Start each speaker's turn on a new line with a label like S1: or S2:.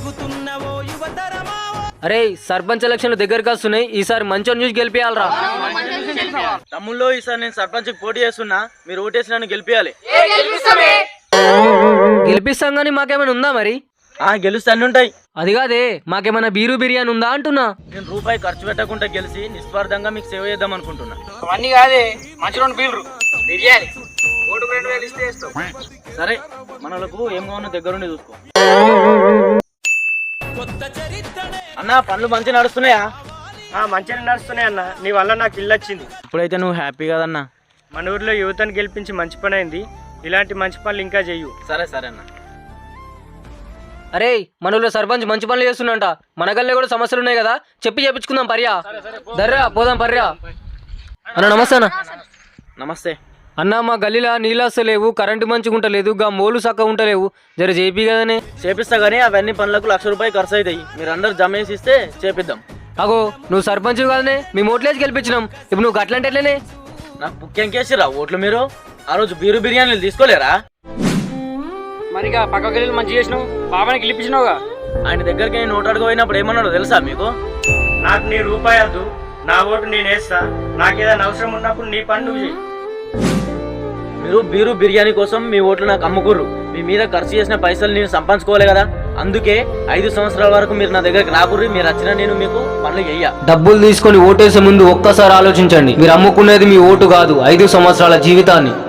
S1: అరే సర్పంచ్ ఎలక్షన్లు దగ్గరకు వస్తున్నాయి, ఈసారి మంచి చూసి గెలిపియాలరా.
S2: తమ్ముళ్ళు ఈసారి నేను సర్పంచ్ పోటీ చేస్తున్నా, మీరు ఓటేసి నన్ను గెలిపియాలి.
S1: గెలిపిస్తాం గానీ మాకేమైనా ఉందా మరి?
S2: గెలుస్తే అన్ని ఉంటాయి.
S1: అది కాదే, మాకేమైనా బీరు బిర్యానీ ఉందా అంటున్నా.
S2: నేను రూపాయి ఖర్చు పెట్టకుండా గెలిచి నిస్వార్థంగా మీకు సేవ చేద్దాం అనుకుంటున్నా.
S3: అవన్నీ కాదే, మంచి రెండు బీర్లు బిర్యానీ ఓటుకు 2000 ఇస్తే వేస్తావు.
S2: సరే, మనలకు ఏం కావాలో దగ్గరుండి చూసుకో. అన్న పనులు మంచిగా నడుస్తున్నాయా?
S4: మంచిగా నడుస్తున్నాయి అన్న, నీ వల్ల నాకు ఇల్లు వచ్చింది.
S2: ఇప్పుడైతే నువ్వు హ్యాపీ కదన్నా.
S4: మన ఊర్లో యువతను గెలిపించి మంచి పని అయింది. ఇలాంటి మంచి పనులు ఇంకా చెయ్యు.
S2: సరే సరే అన్న.
S1: అరే మన ఊళ్ళో సర్పంచ్ మంచి పనులు చేస్తున్నంట, మన గల్లే కూడా సమస్యలు ఉన్నాయి కదా, చెప్పి చేపించుకుందాం పర్యా. దర్రా పోదాం పర్యా. అన్న నమస్తే అన్న.
S2: నమస్తే
S1: అన్న, మా గల్లీలో నీళ్ళు వస్తలేవు, కరెంటు మంచిగా ఉంటలేదు, గా మోలు చక్కగా ఉంటలేవు, జర చేపి కదనే.
S2: చేపిస్తా గానీ అవన్నీ పనులకు ₹1,00,000 ఖర్చు అవుతాయి. మీరు అందరు జమ వేసి ఇస్తే చేపిద్దాం.
S1: అగో నువ్వు సర్పంచ్ కదనే, మేము ఓట్లేసి గెలిపించినాం, ఇప్పుడు నువ్వు అట్లాంటి ఎట్లనే?
S2: నాకు ముఖ్యం కేసిరా ఓట్లు. మీరు ఆ రోజు బీరు బిర్యానీలు తీసుకోలేరా?
S3: మరిగా పక్క గల్లీలు మంచి చేసినావు, బాబాని గెలిపించినావుగా.
S2: ఆయన దగ్గరికి నేను ఓటు అడగపోయినప్పుడు ఏమన్నాడో తెలుసా మీకు?
S4: నాకు నీ రూపాయి వద్దు, నా ఓటు నేను వేస్తా, నాకేదైనా అవసరం ఉన్నప్పుడు నీ పని నువ్వు చెయ్యి.
S2: మీరు బీరు బిర్యానీ కోసం మీ ఓట్లు నాకు అమ్ముకుర్రు. మీ మీద ఖర్చు చేసిన పైసలు నేను సంపాదించుకోవాలి కదా, అందుకే 5 సంవత్సరాల వరకు మీరు నా దగ్గరికి రాకుర్రి. మీరు వచ్చినా నేను మీకు పనులు చెయ్య.
S1: డబ్బులు తీసుకొని ఓటేసే ముందు ఒక్కసారి ఆలోచించండి, మీరు అమ్ముకునేది మీ ఓటు కాదు, 5 సంవత్సరాల జీవితాన్ని.